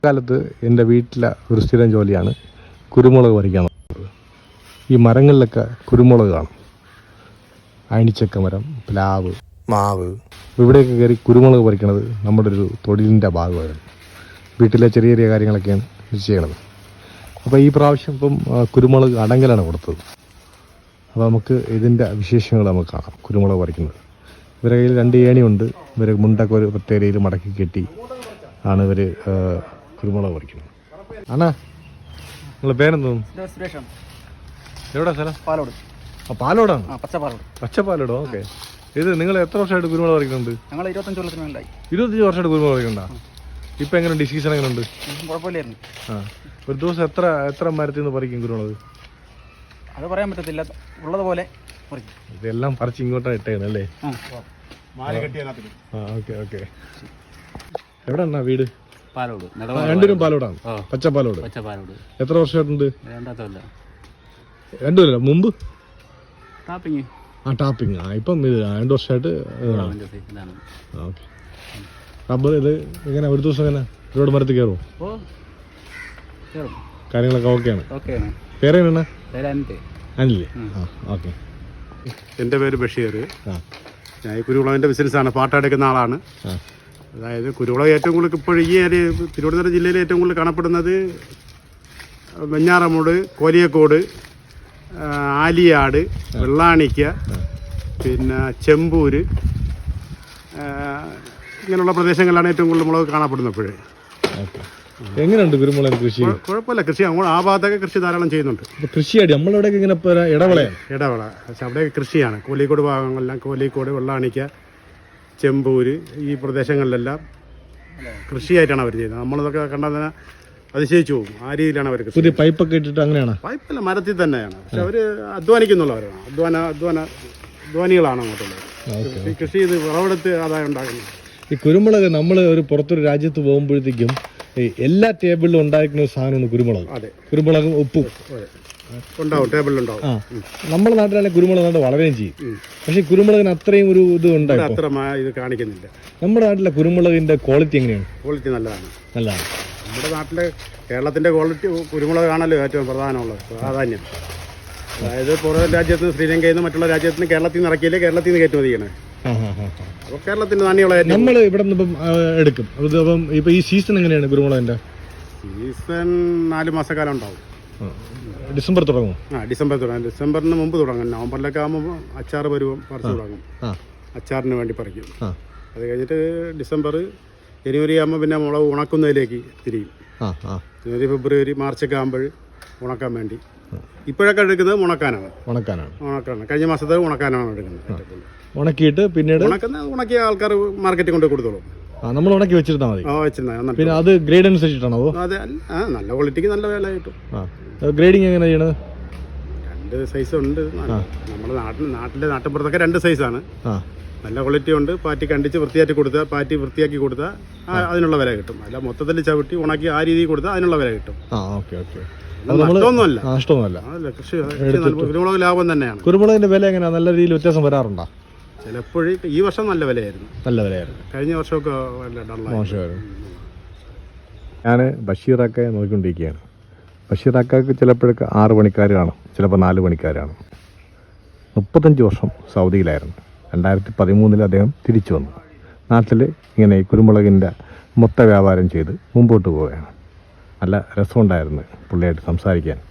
കാലത്ത് എൻ്റെ വീട്ടിലെ ഒരു സ്ഥിരം ജോലിയാണ് കുരുമുളക് പറിക്കാൻ. ഈ മരങ്ങളിലൊക്കെ കുരുമുളക് കാണും. അയണിച്ചക്ക മരം, പ്ലാവ്, മാവ്, ഇവിടെയൊക്കെ കയറി കുരുമുളക് പറിക്കണത് നമ്മുടെ ഒരു തൊഴിലിൻ്റെ ഭാഗമാണ്. വീട്ടിലെ ചെറിയ ചെറിയ കാര്യങ്ങളൊക്കെയാണ് ഇത് ചെയ്യണത്. അപ്പോൾ ഈ പ്രാവശ്യം ഇപ്പം കുരുമുളക് അടങ്കലാണ് കൊടുത്തത്. അപ്പോൾ നമുക്ക് ഇതിൻ്റെ വിശേഷങ്ങൾ നമുക്ക് കാണാം. കുരുമുളക് പറിക്കുന്നത് ഇവരുടെ കയ്യിൽ 2 ഏണിയുണ്ട്. ഇവർ മുണ്ടൊക്കെ ഒരു പ്രത്യേക രീതിയിൽ മടക്കി കെട്ടി ആണ് ഇവർ കുരുമുളക് പറിക്കുന്നത്. ആണാ, നിങ്ങളുടെ പേരെന്തോന്നും? എവിടെ സ്ഥലം? പാലോട്. ആ, പാലോടാണ്. പച്ചപ്പാലോടോ? ഓക്കെ. ഇത് നിങ്ങൾ എത്ര വർഷമായിട്ട് കുരുമുളക് പറിക്കുന്നുണ്ട്? 25 വർഷമായിട്ട് കുരുമുളക് പറിക്കണ്ട. ഇപ്പം എങ്ങനെയുണ്ട്? സീസൺ എങ്ങനെയുണ്ട്? കുഴപ്പമില്ലായിരുന്നു. ആ, ഒരു ദിവസം എത്ര മരത്തിൽ നിന്ന് പറിക്കും കുരുമുളക്? അത് പറയാൻ പറ്റത്തില്ല, ഉള്ളതുപോലെ. ഇതെല്ലാം പറിച്ച് ഇങ്ങോട്ടാണ് ഇട്ടേക്കുന്നത് അല്ലേ? Okay okay. എവിടെയാണ് വീട്? പാലോട്. രണ്ടുപേരും പാലോടാണ്. പച്ചപ്പാലോട്. എത്ര വർഷമായിട്ടുണ്ട്? 2 കൊല്ലം മുമ്പ്. ടാപ്പിങ്. ഇപ്പം ഇത് 2 വർഷമായിട്ട്. ഓക്കെ. റബ്ബർ ഇത് എങ്ങനെ ഒരു ദിവസം എങ്ങനെ ഒരുപാട് മരത്തിൽ കയറുമോ? കാര്യങ്ങളൊക്കെ ഓക്കെയാണ്. പേരെങ്ങനെയാണ്? അനില്ലേ? ആ, ഓക്കെ. എൻ്റെ പേര് ബഷീർ. ഞാൻ ഈ കുരുമുളകിൻ്റെ ബിസിനസ്സാണ്, പാട്ടെടുക്കുന്ന ആളാണ്. അതായത് കുരുമുളക് ഏറ്റവും കൂടുതൽ ഇപ്പോൾ ഈ ഏരിയ തിരുവനന്തപുരം ജില്ലയിൽ ഏറ്റവും കൂടുതൽ കാണപ്പെടുന്നത് വെഞ്ഞാറമൂട്, കോലിയക്കോട്, ആലിയാട്, വെള്ളാണിക്ക, പിന്നെ ചെമ്പൂര്, ഇങ്ങനെയുള്ള പ്രദേശങ്ങളിലാണ് ഏറ്റവും കൂടുതൽ മുളക് കാണപ്പെടുന്നപ്പോഴേ. എങ്ങനെയുണ്ട് കുരുമുളക് കൃഷി? കുഴപ്പമില്ല, കൃഷി ആ ഭാഗത്തൊക്കെ കൃഷി ധാരാളം ചെയ്യുന്നുണ്ട്. കൃഷിയാടി നമ്മളിവിടെയൊക്കെ ഇങ്ങനെ ഇടവള, പക്ഷെ അവിടെയൊക്കെ കൃഷിയാണ്. കോലിക്കോട് ഭാഗങ്ങളെല്ലാം, കോലിക്കോട്, വെള്ളാണിക്ക, ചെമ്പൂര്, ഈ പ്രദേശങ്ങളിലെല്ലാം കൃഷിയായിട്ടാണ് അവർ ചെയ്യുന്നത്. നമ്മളിതൊക്കെ കണ്ടാൽ തന്നെ അതിശയിച്ചു പോകും. ആ രീതിയിലാണ് അവർ കൃഷി. പുതിയ പൈപ്പൊക്കെ ഇട്ടിട്ട് അങ്ങനെയാണ്? പൈപ്പല്ല, മരത്തിൽ തന്നെയാണ്. പക്ഷെ അവർ അധ്വാനിക്കുന്നുള്ളവരാണ്. അധ്വാനികളാണ് അങ്ങോട്ടുള്ളത്. കൃഷി ചെയ്ത് വിളവെടുത്ത് ആദായം ഉണ്ടാക്കുന്നത്. ഈ കുരുമുളക് നമ്മൾ ഒരു പുറത്തൊരു രാജ്യത്ത് പോകുമ്പോഴത്തേക്കും എല്ലാ ടേബിളിലും ഉണ്ടായിരിക്കുന്ന ഒരു സാധനമാണ് കുരുമുളക്. കുരുമുളകും ഉപ്പും ഉണ്ടാവും, ടേബിളിലുണ്ടാവും. നമ്മുടെ നാട്ടിലാണെങ്കിൽ കുരുമുളക് നാട്ട് വളരെയും ചെയ്യും. പക്ഷെ കുരുമുളകിന് അത്രയും ഒരു ഇത് ഉണ്ടാവും, അത്ര ഇത് കാണിക്കുന്നില്ല. നമ്മുടെ നാട്ടിലെ കുരുമുളകിന്റെ ക്വാളിറ്റി എങ്ങനെയാണ്? ക്വാളിറ്റി നല്ലതാണ്. നല്ലതാണ്. നമ്മുടെ നാട്ടിലെ കേരളത്തിന്റെ ക്വാളിറ്റി കുരുമുളകാണല്ലോ ഏറ്റവും പ്രധാനമുള്ളത്, പ്രാധാന്യം. അതായത് പുറം രാജ്യത്ത് നിന്ന്, ശ്രീലങ്കയിൽ നിന്ന്, മറ്റുള്ള രാജ്യത്ത് നിന്ന് കേരളത്തിൽ നിന്ന് ഇറക്കിയില്ലേ കേരളത്തിൽ നിന്ന് കയറ്റുമതി ചെയ്യണേ. അപ്പോൾ കേരളത്തിന്റെ നാണ്യമുള്ള നമ്മൾ ഇവിടെ നിന്ന് ഇപ്പം എടുക്കും. അപ്പം ഇപ്പൊ ഈ സീസൺ എങ്ങനെയാണ് കുരുമുളകിന്റെ? സീസൺ 4 മാസക്കാലം ഉണ്ടാവും. ഡിസംബർ തുടങ്ങും. ഡിസംബർ തുടങ്ങും. ഡിസംബറിന് മുമ്പ് തുടങ്ങും. നവംബറിലൊക്കെ ആകുമ്പോൾ അച്ചാർ പരുവം പറിച്ചു തുടങ്ങും. അച്ചാറിന് വേണ്ടി പറിക്കും. അത് കഴിഞ്ഞിട്ട് ഡിസംബർ, ജനുവരി ആകുമ്പോൾ പിന്നെ മുളക് ഉണക്കുന്നതിലേക്ക് തിരിയും. ജനുവരി, ഫെബ്രുവരി, മാർച്ചൊക്കെ ആകുമ്പോൾ ഉണക്കാൻ വേണ്ടി. ഇപ്പോഴൊക്കെ എടുക്കുന്നത് ഉണക്കാനാണ്. കഴിഞ്ഞ മാസത്തെ ഉണക്കാനാണ് എടുക്കുന്നത്. ഉണക്കിയിട്ട് പിന്നീട് ഉണക്കിയ ആൾക്കാർ മാർക്കറ്റിൽ കൊണ്ട് കൊടുത്തോളും. നമ്മൾ ഉണക്കി വെച്ചിരുന്നാൽ മതി. വെച്ചിരുന്നാൽ പിന്നെ അത് ഗ്രേഡ് അനുസരിച്ചിട്ടാണോ? അതെ, നല്ല ക്വാളിറ്റിക്ക് നല്ല വില കിട്ടും. ഗ്രേഡിങ് എങ്ങനെ ചെയ്യണത്? 2 സൈസ് ഉണ്ട്. നമ്മുടെ നാട്ടിലെ നാട്ടിൻപുറത്തൊക്കെ 2 സൈസാണ്. നല്ല ക്വാളിറ്റി ഉണ്ട്. പാറ്റി കണ്ടിച്ച് വൃത്തിയാക്കി കൊടുത്താൽ അതിനുള്ള വില കിട്ടും. അല്ല മൊത്തത്തിൽ ചവിട്ടി ഉണക്കി ആ രീതിയിൽ കൊടുത്താൽ അതിനുള്ള വില കിട്ടും. കുരുമുളക് ലാഭം തന്നെയാണ്. കുരുമുളകിന്റെ വില എങ്ങനെയാ? നല്ല രീതിയിൽ വ്യത്യാസം വരാറുണ്ടോ? ചിലപ്പോഴേ ഈ വർഷം നല്ല വിലയായിരുന്നു. കഴിഞ്ഞ വർഷമൊക്കെ മോശമായിരുന്നു. ഞാൻ ബഷീറൊക്കെ നോക്കിക്കൊണ്ടിരിക്കുകയാണ്. ബഷീറാക്കാക്ക് ചിലപ്പോഴൊക്കെ 6 പണിക്കാർ കാണും, ചിലപ്പോൾ 4 പണിക്കാർ കാണും. 35 വർഷം സൗദിയിലായിരുന്നു. 2013 അദ്ദേഹം തിരിച്ചു വന്നു. നാട്ടിൽ ഇങ്ങനെ കുരുമുളകിൻ്റെ മൊത്ത വ്യാപാരം ചെയ്ത് മുമ്പോട്ട് പോവുകയാണ്. നല്ല രസമുണ്ടായിരുന്നു പുള്ളിയായിട്ട് സംസാരിക്കാൻ.